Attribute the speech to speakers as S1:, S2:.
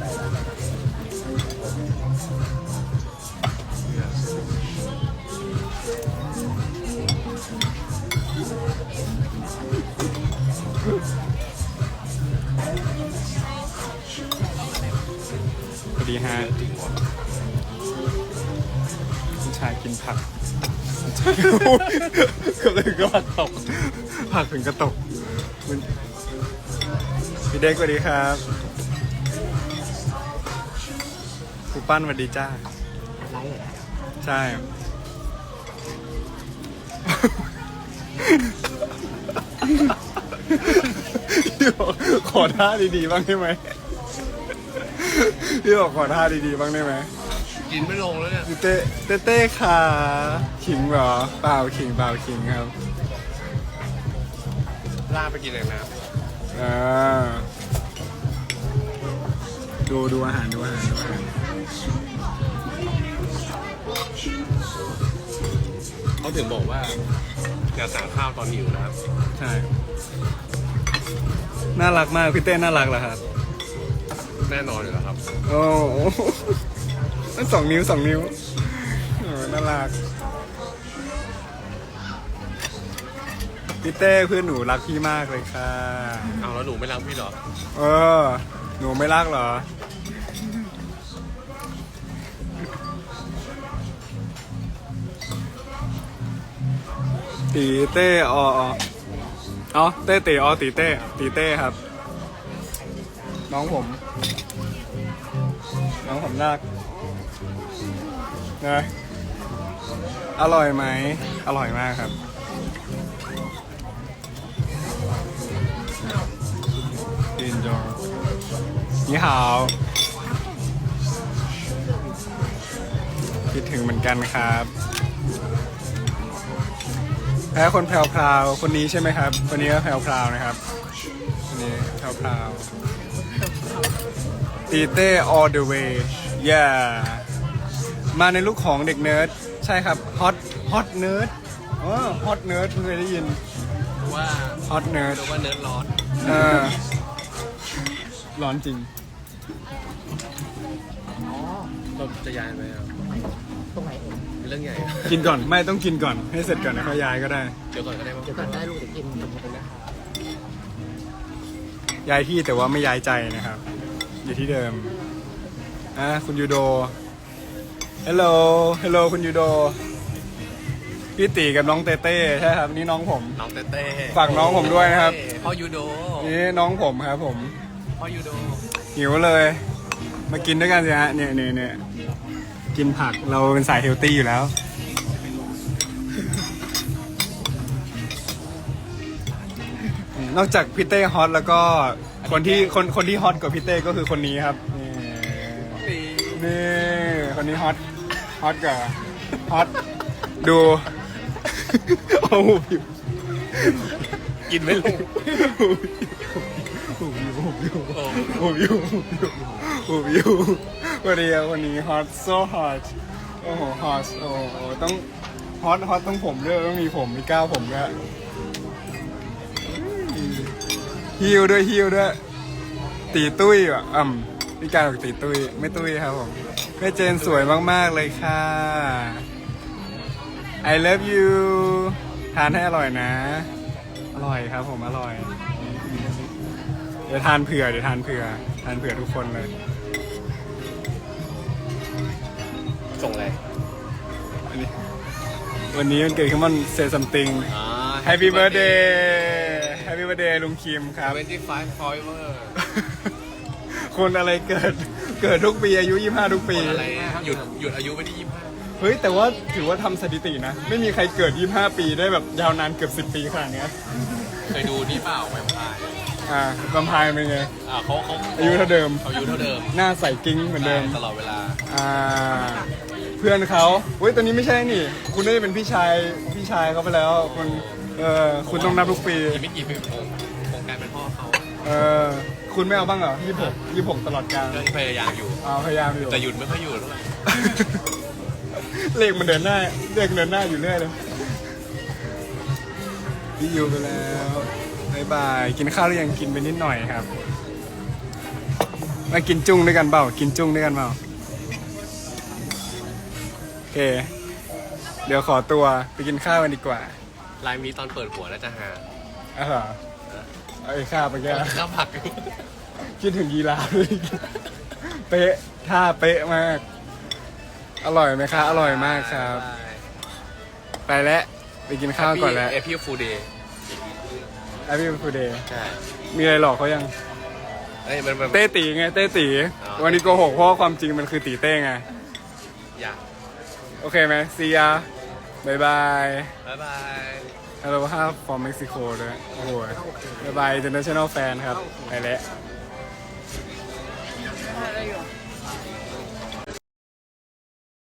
S1: พอดีฮะผู้ชายกินผักก็เลยก็ผักตกผักถึงกระตกพี่เด็กสวัสดีครับครูปั้นสวัสดีจ้าใช่ขอท่าดีๆบ้างได้ไหมพี่บอกขอท่าดีๆบ้างได้ไหม
S2: กินไม่ลงแล้วเนี่ย
S1: เต้ค่ะขิงเหรอเปล่าขิงครับ
S2: ลากไปกินเลยนะ
S1: ดูอาหาร
S2: เขาถึงบอกว่าอย่าสั่งข้าวตอนหิวนะครับ
S1: ใช่น่ารักมากพี่เต้น่ารักเหรอครับ
S2: แน่นอนอยู่แล้วครับ
S1: โอ้นั่น2 นิ้วน่ารักพี่เต้เพื่อนหนูรักพี่มากเลยค่ะ
S2: เอาแล้วหนูไม่รักพี่หรอ
S1: หนูไม่รักเหรอตีเต้เต้ตีตีเต้ครับน้องผมรักนะอร่อยไหมอร่อยมากครับกินจงนี่หาวคิดถึงเหมือนกันครับแพ้คนแพรวๆคนนี้ใช่ไหมครับคนนี้ก็แพรวๆนะครับคนนี้แพรวๆตีเต้ all the way yeah มาในลุคของเด็กเนิร์ดใช่ครับ hot nerd hot nerd เพิ่งเคยได้ยิน
S2: ว่า
S1: hot nerd
S2: ว่าเนิร์ดร้อน
S1: ร้อนจริง
S2: เราจะย้ายไหมครับ
S3: ตรงไหน
S2: เป็นเรื่องใหญ่
S1: กินก่อนไม่ต้องกินก่อนให้เสร็จก่อนนะเขาย้ายก็ได้
S2: เดี๋ยวก่อนก็ได้มั้ง
S3: เดี๋ยวก่อนได้ลูกเดี๋ยวกินตรงนี้นะ
S1: ย้ายที่แต่ว่าไม่ย้ายใจนะครับอยู่ที่เดิมคุณยูโดฮัลโหลคุณยูโดพี่ตีกับน้องเต้เต้ใช่ครับนี่น้องผม
S2: น้องเต้เต้
S1: ฝากน้องผมด้วยนะครับ
S2: พ่อยูโด
S1: นี่น้องผมครับผม
S2: พ่อยูโด
S1: หิวเลยมากินด้วยกันสิฮะเนี่ยกินผักเราเป็นสายเฮลตี้อยู่แล้วนอกจากพี่เต้ฮอตแล้วก็คนที่ฮอตกว่าพี่เต้ก็คือคนนี้ครับนี่คนนี้ฮอตกว่าฮอตดูโอ้โห
S2: กินไม่ลง
S1: วันนี้ฮอต so hot โอ้โห hot โอ้โหต้องฮอตต้องผมด้วยต้องมีผมมีก้าวผมด้วยฮิวด้วยตีตุ้ยอ่ะพี่การบอกตีตุ้ยไม่ตุ้ยครับผมแม่เจนสวยมากๆเลยค่ะ I love you ทานให้อร่อยนะอร่อยครับผมอร่อยเดี๋ยวทานเผื่อทุกคนเลย
S2: ส่งอะไร
S1: วันนี้มันเกิดขึ้นมันเซซัมติงHappy birthday ลุงคิมครับ
S2: 25 forever
S1: คนอะไรเกิดทุกปีอายุ25ทุกปี
S2: อะไรหยุดอายุไปที่25
S1: เฮ้ยแต่ว่าถือว่าทำสถิตินะไม่มีใครเกิด25ปีได้แบบยาวนานเกือบ10 ปีขนาดนี้
S2: เคยดูนี่เปล่าแวมไพร์
S1: แวมไพร์เป็นไง
S2: เขา
S1: อายุเท่าเดิมหน้าใสกิ้งเหมือนเดิม
S2: ตลอดเวลา
S1: เพื่อนเขาเฮ้ยตอนนี้ไม่ใช่นี่คุณได้เป็นพี่ชายเขาไปแล้วคุณต้องนับทุกปี
S2: ไม่กี่ปีโครงการเป็นพ่อเขา
S1: คุณไม่เอาบ้างเหรอ26ตลอดกาล
S2: พยายามอยู่แต่หยุดไม่ค่อยอยู่เท่าไหร่
S1: เลขมันเดินหน้าอยู่เรื่อยเลยพี่อยู่ไปแล้วบ๊ายบายกินข้าวหรือยังกินไปนิดหน่อยครับมากินจุ้งด้วยกันเปล่ากินจุ้งด้วยกันเปล่าโอเค เดี๋ยวขอตัวไปกินข้าวกันดีกว่า
S2: ลายมีตอนเปิดหัวน่าจะหา
S1: อ่ะเหรอไอ้ข้าวไปแก
S2: ข้าวผัก
S1: คิดถึงยีราฟเลยเป๊ะท่าเป๊ะมาก อร่อยไหมคะอร่อยมากครับ ไปแล้วไปกินข้าวก่อนแล้ว
S2: เอพิวฟูเดย์
S1: Happy Birthday
S2: ใช่
S1: มีอะไรหลอกเขายัง
S2: เอ้ยมัน
S1: เต้ตีไงเต้ตี
S2: อ๋อ
S1: วันนี้โกหกเพราะว่าความจริงมันคือตีเต้ไง
S2: อยาก
S1: โอเคไหมซียาบายบาย
S2: บ๊ายบาย
S1: Hello 5 from Mexico ด้วยโอ้โหบายบาย international fan ครับ ไปแล้ว
S3: ได้อยู่